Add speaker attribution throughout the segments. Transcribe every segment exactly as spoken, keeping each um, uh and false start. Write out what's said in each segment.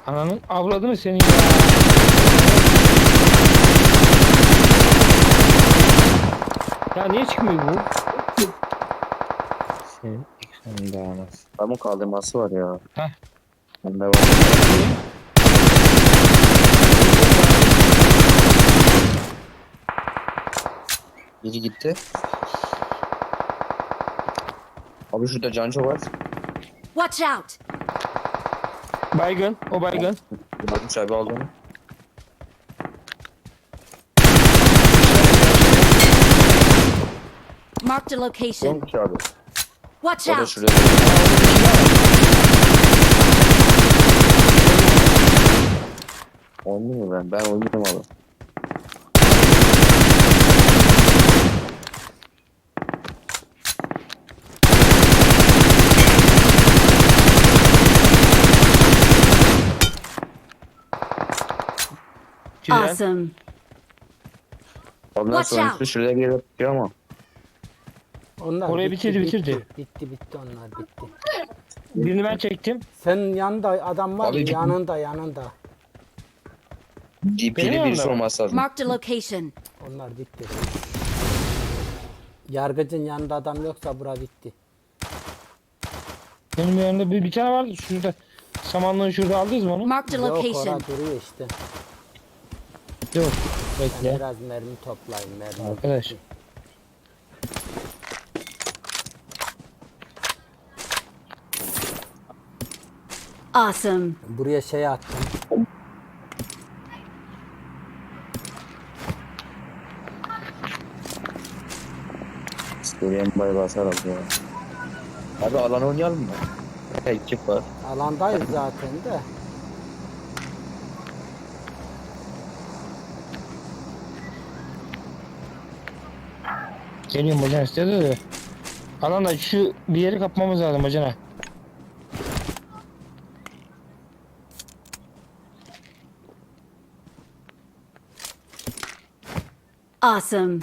Speaker 1: Ananın avradını senin ya. Ya niye çıkmıyor bu? Senin ekranın dağılmaz.
Speaker 2: Adamın kaldırması var ya.
Speaker 1: Heh.
Speaker 2: Bende var. Biri gitti. Abi şurada Canco var.
Speaker 3: Watch out!
Speaker 1: Baygın, o baygın.
Speaker 2: Bakmış abi aldı onu.
Speaker 3: Marked a location.
Speaker 2: Yok ki abi.
Speaker 3: Watch
Speaker 2: O da
Speaker 3: out!
Speaker 2: şurada. Oynuyor mu ben? Ben oynuyorum abi.
Speaker 1: Güzel.
Speaker 3: Awesome.
Speaker 2: Ondan
Speaker 3: Watch
Speaker 2: sonra
Speaker 3: out.
Speaker 2: şuraya gelip tutuyor ama.
Speaker 4: Onlar
Speaker 1: Orayı
Speaker 4: bitti,
Speaker 1: bitirdi,
Speaker 4: bitti,
Speaker 1: bitirdi.
Speaker 4: Bitti bitti onlar bitti.
Speaker 1: Birini ben çektim.
Speaker 4: Senin yanında adam var mı?
Speaker 2: Abi-
Speaker 4: Yanında yanında.
Speaker 2: D P'li
Speaker 1: yanımda
Speaker 2: birisi
Speaker 1: mı?
Speaker 2: olması lazım.
Speaker 3: Marked a location.
Speaker 4: Onlar bitti. Yargıcın yanında adam yoksa bura bitti.
Speaker 1: Benim yanımda bir, bir tane vardı şurada. Samanlığın şurada aldınız mı onu?
Speaker 3: Marked a
Speaker 4: Yok
Speaker 3: location.
Speaker 4: orada duruyor işte.
Speaker 1: Yok.
Speaker 4: Ben
Speaker 1: Bekle.
Speaker 4: biraz mermi toplayayım mermi.
Speaker 1: Arkadaş.
Speaker 3: Awesome.
Speaker 4: Buraya şey attım.
Speaker 2: Suriye'nin bay basar abi ya. Abi alan oynayalım mı? Ekip var.
Speaker 4: Alandayız zaten de.
Speaker 1: Geliyorum bacana istedi de. Alanda şu bir yeri kapmamız lazım bacana.
Speaker 3: Awesome.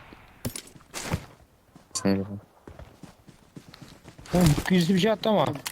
Speaker 1: Oğlum birisi bir şey attı ama.